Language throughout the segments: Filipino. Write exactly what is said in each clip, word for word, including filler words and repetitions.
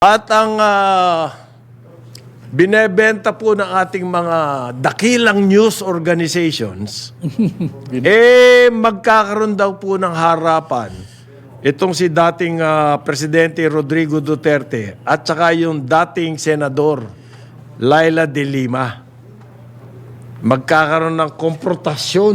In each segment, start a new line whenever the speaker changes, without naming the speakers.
At ang ah, binebenta po ng ating mga dakilang news organizations, eh magkakaroon daw po ng harapan itong si dating ah, Presidente Rodrigo Duterte at saka yung dating Senador Laila de Lima. Magkakaroon ng konfrontasyon.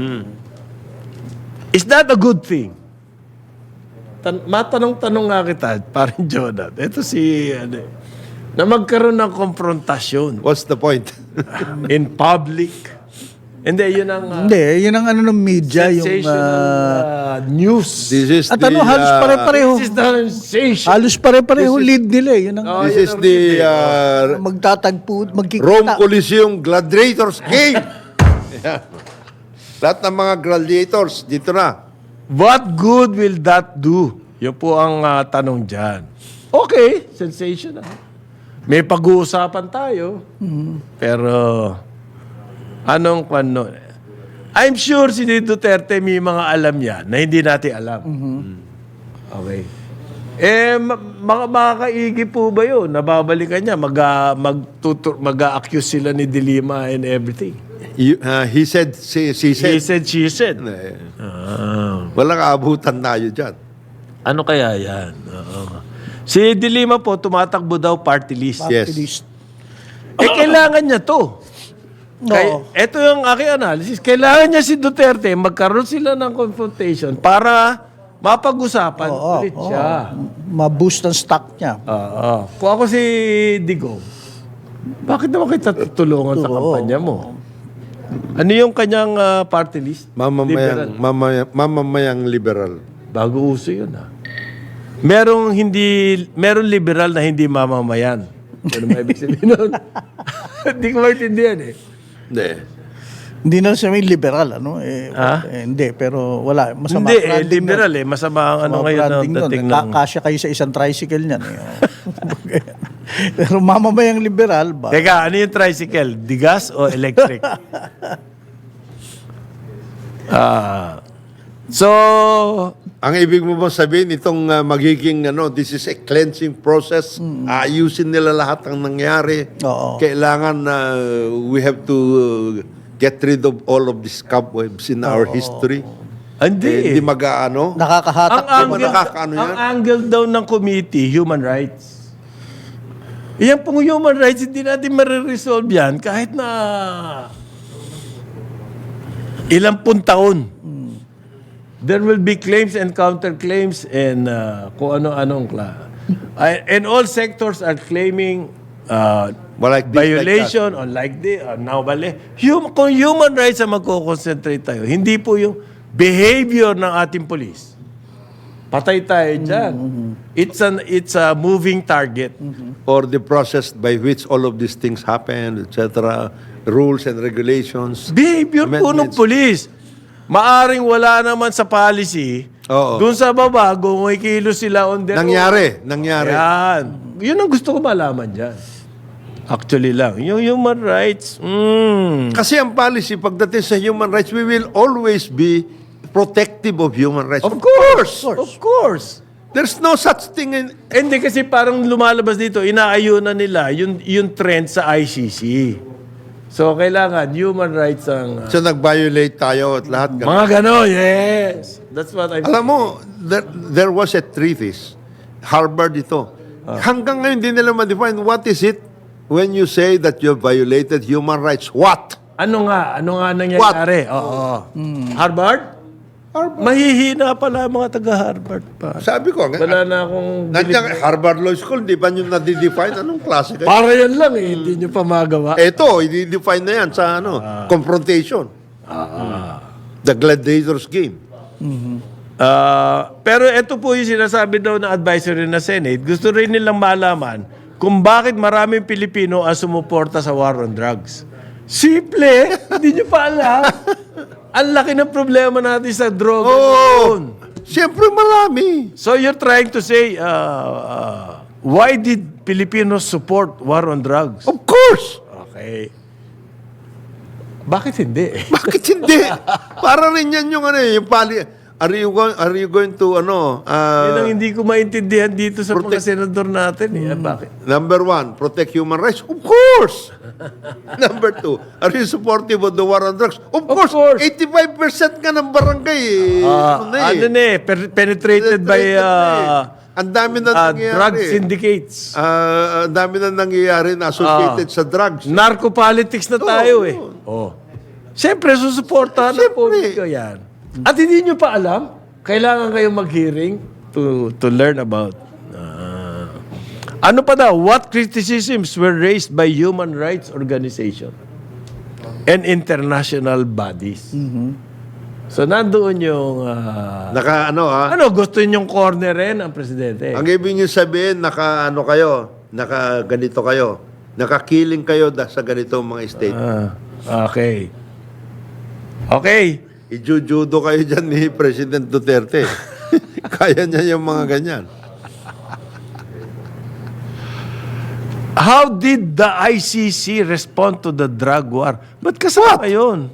Is that a good thing? Tan- matanong-tanong nga kita, parang Jonah. Ito si, ano, eh, na magkaroon ng konfrontasyon
What's the point?
in public. Hindi, yun ang uh,
Hindi, yun ang ano ng media, yung...
sensational
ah,
uh, news.
This is
at
the,
ano, halos
uh,
pare-pareho.
This is the sensation.
Halos pare-pareho lead nila eh. Yun ang
Oh,
This
yun
is
ang
the
lead eh.
uh,
magtatagpo, magkikita.
Rome Coliseum Gladiators Game. Yeah. Lahat ng mga gladiators, dito na.
What good will that do? Yun po ang uh, tanong dyan. Okay, sensational. May pag-uusapan tayo. Pero, anong ano? I'm sure si Duterte may mga alam yan na hindi natin alam. Okay. Eh, ma- mga makakaigi po ba yun? Nababalikan niya, mag, magtutur, mag-accuse sila ni De Lima and everything.
You- uh, he said, she, she said.
He said, she said.
Eh,
Ah.
walang aabutan tayo dyan.
Ano kaya yan? Oo. Si De Lima po, tumatakbo daw party list.
Yes.
Activist.
Eh, kailangan niya to. Kay,
Oo.
ito yung aking analysis. Kailangan niya si Duterte, magkaroon sila ng confrontation para mapag-usapan
Oo,
ulit
oo.
siya.
Ma-boost ang stock niya.
Oo. Kung ako si Digong, bakit naman kita tutulungan sa
Oo.
kampanya mo? Ano yung kanyang ah, party list? Liberal.
Mamamayang, mamaya, mamamayang liberal.
Bago uso yun, ha? Merong hindi, merong liberal na hindi mamamayan. Ano ba ibig sabihin nun? Hindi ko maintindihan eh.
Hindi.
Hindi na siya may liberal, ano? Eh,
Ah?
eh, hindi, pero wala. Masama
Hindi, eh,
branding
liberal
nun.
eh. Masama ang ano
Masama
ngayon na
branding nun.
dating
Ka-
ng...
kasya kayo sa isang tricycle niyan. Eh. Pero mamamayang liberal ba?
Teka, ano yung tricycle? Digas o electric? Ah, so,
Ang ibig mo ba sabihin, itong uh, magiging, ano, this is a cleansing process. Ayusin nila lahat ng nangyari.
Oo.
Kailangan na we have to uh, get rid of all of these cobwebs in our history.
hindi
Eh,
eh.
Hindi mag-ano.
Nakakahatak.
Ang
Di ba
angle,
nakakaano
ang
yan?
angle daw ng committee, human rights. Yan pong human rights, hindi natin mariresolve yan kahit na ilang pun taon. There will be claims and counterclaims and uh, kung ano-anong kla. I- and all sectors are claiming uh,
Well, like this,
violation on like this, or now bali. Hum- kung human rights ang magko-concentrate tayo, hindi po yung behavior ng ating police. Patay tayo dyan. It's an it's a moving target.
Or the process by which all of these things happen, et cetera. Rules and regulations.
Behavior po ng
Amendments.
police. Maaring wala naman sa policy.
Oo.
Doon sa baba, gumikilo sila on their own.
Nangyari, nangyari.
Yan. Yun ang gusto ko malaman dyan. Actually lang. Yung human rights, mm,
Kasi ang policy, pagdating sa human rights, we will always be protective of human rights.
of course, of course.
There's no such thing in...
Hindi kasi parang lumalabas dito, inaayunan nila yung, yung trend sa I C C. So, kailangan human rights ang... uh,
So, nag-violate tayo at lahat. ganun.
mga gano'n, yes. That's what I'm
Alam mo, there, there was a treatise, Harvard ito. Hanggang ngayon, hindi nila ma-define what is it when you say that you violated human rights. What?
Ano nga? Ano nga nangyayari? Oo. Harvard? Mahihina pala ang mga taga-Harvard pa.
Sabi ko,
Wala na akong...
nandiyan, Harvard Law School, di ba nyo na-define? Anong klase kayo?
Para yan lang eh. Hindi nyo pa magawa.
Ito, i-define na yan sa ano, confrontation. The gladiators game.
Ah, pero ito po yung sinasabi daw ng advisory na Senate. Gusto rin nilang malaman kung bakit maraming Pilipino ang sumuporta sa war on drugs. Simple. Hindi nyo pa alam. Ang laki ng problema natin sa droga
Oh,
noon.
siyempre marami.
So you're trying to say, uh, uh, why did Filipinos support war on drugs?
Of course.
Okay. Bakit hindi?
Bakit hindi? Para rin yan yung ano eh, yung pali... are you going, are you going to, ano,
Yan ang
uh,
hindi ko maintindihan dito sa mga
Protect-
senador natin. Eh. Ah, bakit?
number one, protect human rights? Of course! Number two, are you supportive of the war on drugs? Of, course!
course.
eighty-five percent nga ng barangay, eh.
Ah,
ano na eh.
ano na eh, per- penetrated by
Penetrated na
uh,
eh. Ang dami na
uh,
nangyayari.
drug syndicates.
Ah, ang dami na nangyayari na associated sa drugs.
Narco-politics na tayo eh. Oh. Siyempre, susuportahan ng
Siyempre.
publiko yan. At hindi nyo pa alam, kailangan kayong mag-hearing to, to learn about. Ah. Ano pa daw? What criticisms were raised by human rights organization and international bodies? So, nandoon yung... ah,
Naka, ano ha?
ano, gusto nyong cornerin ang presidente?
Ang ibig niyo sabihin, naka, ano kayo, naka ganito kayo, nakakiling kayo da, sa ganito mga state.
Ah, okay. Okay.
Ijujudo kayo dyan ni President Duterte. Kaya niya yung mga ganyan.
How did the I C C respond to the drug war? Ba't kasama yun?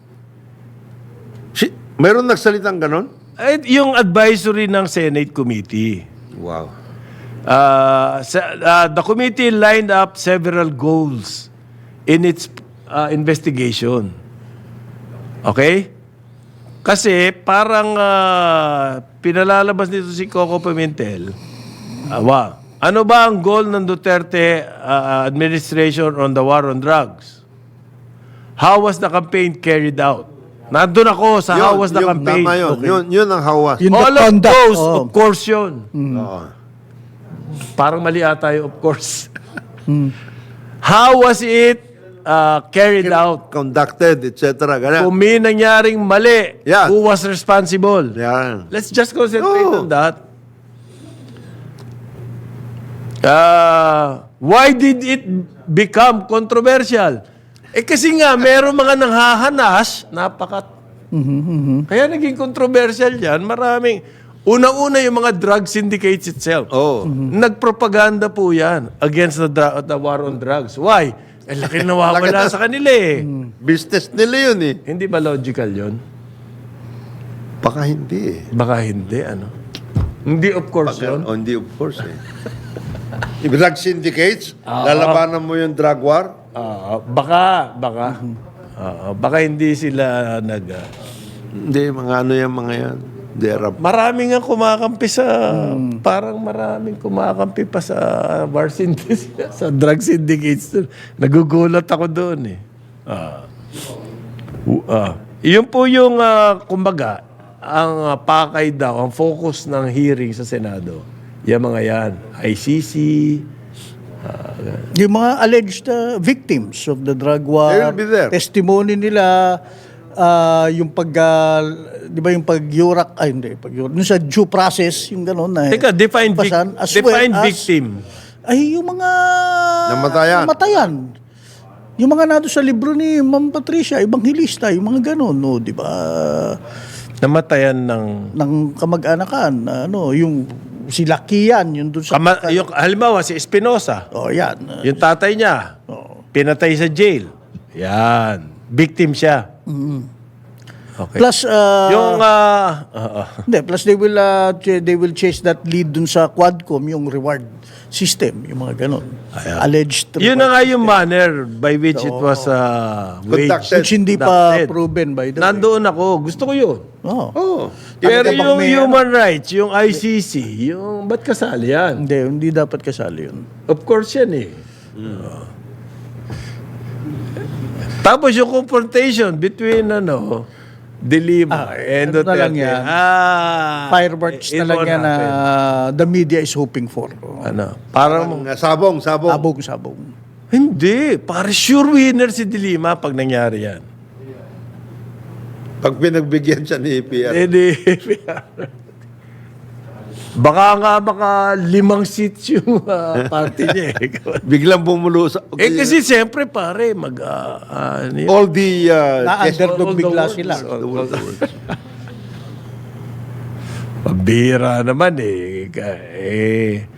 Si, meron nagsalitang ganon?
Eh, yung advisory ng Senate Committee.
Wow.
Uh, sa- uh, the committee lined up several goals in its uh, investigation. Okay? Kasi parang uh, pinalalabas nito si Coco Pimentel. Uh, wow. Ano ba ang goal ng Duterte uh, administration on the war on drugs? How was the campaign carried out? Nandun ako sa how was the
yun,
campaign.
Tama yun.
Okay.
Yun, yun ang hawas.
Yun the
All of
conduct,
those,
oh.
of course yun.
Oo.
Parang mali ata yung of course. How was it uh, carried out?
Conducted, et cetera. Ganyan.
Kung may nangyaring mali,
Yan.
who was responsible?
Yan.
Let's just concentrate
Oh.
on that. Uh, why did it become controversial? Eh kasi nga, meron mga nanghahanas, napakat. Kaya naging controversial yan. Maraming, unang-una yung mga drug syndicates itself.
Oo.
Nagpropaganda po yan against the, dra- the war on drugs. Why? Eh, laki nawawala sa kanila eh.
Business nila yun eh.
Hindi ba logical yun?
Baka hindi eh.
Baka hindi, ano? Hindi, of course, yun.
Oh, hindi, of course eh. Drug syndicates, lalabanan mo yung drug war.
Ah, baka, baka. Ah, baka hindi sila nag... ah,
Hindi, mga ano yung mga yan. They're a-
Marami nga kumakampi sa... Parang maraming kumakampi pa sa war syndicates, sa drug syndicates. Nagugulat ako doon eh. Ah. U- ah. Yun po yung, ah, kumbaga, ang ah, pakay daw, ang focus ng hearing sa Senado. Yung mga yan. I C C,
Yung mga alleged uh, victims of the drug war,
They will be there.
testimony nila, ah, yung pag, ah, di ba yung pag-yurak, ay hindi, pag-yurak, yung sa due process, yung gano'n na.
Teka, define, vic-
pasan, as well
define
as-
victim.
Ay, yung mga...
Namatayan.
Namatayan. Yung mga nado sa libro ni Ma'am Patricia, Evangelista, yung mga gano'n, no, di ba?
Namatayan ng...
Ng kamag-anakan, ano, yung si Lakian, yung dun sa...
Kama, yung, halimbawa, si Espinosa,
Oh, yan.
yung tatay niya,
Oh.
pinatay sa jail. Yan. Victim siya. Okay.
Plus, ah,
yung, ah, ah, ah.
hindi, plus they will, ah, ch- they will chase that lead dun sa Quadcom, yung reward system, yung mga ganon. Alleged
yun na
reward
nga yung manner by which it was uh, waged.
Conducted.
which hindi pa
Conducted.
proven by the way.
Nandoon ako. Gusto ko yun.
Oh.
Oh.
Pero
Talaga bang
yung
may
human rights, yung I C C, yung ba't kasali yan?
Hindi, hindi dapat kasali yun.
Of course yan eh. Oh. Tapos yung confrontation between ano, De Lima
Ah,
and
ano na lang
Duterte.
yan?
Ah,
Fireworks
it
na lang
won't
yan na
happen.
the media is hoping for.
Ano, parang,
Ang, uh, sabong, sabong.
Sabong-sabong.
hindi, para sure winner si De Lima pag nangyari yan.
Pag pinagbigyan siya ni A P R.
Hindi. Baka nga baka limang seats yung ah, party niya eh.
Biglang bumulo sa...
eh kasi siyempre pare, mag... ah, ah, ano yun?
all the... Uh, yes,
Na-underdog
all the
bigla
words.
sila.
all the words.
Pabira naman eh. Ka- eh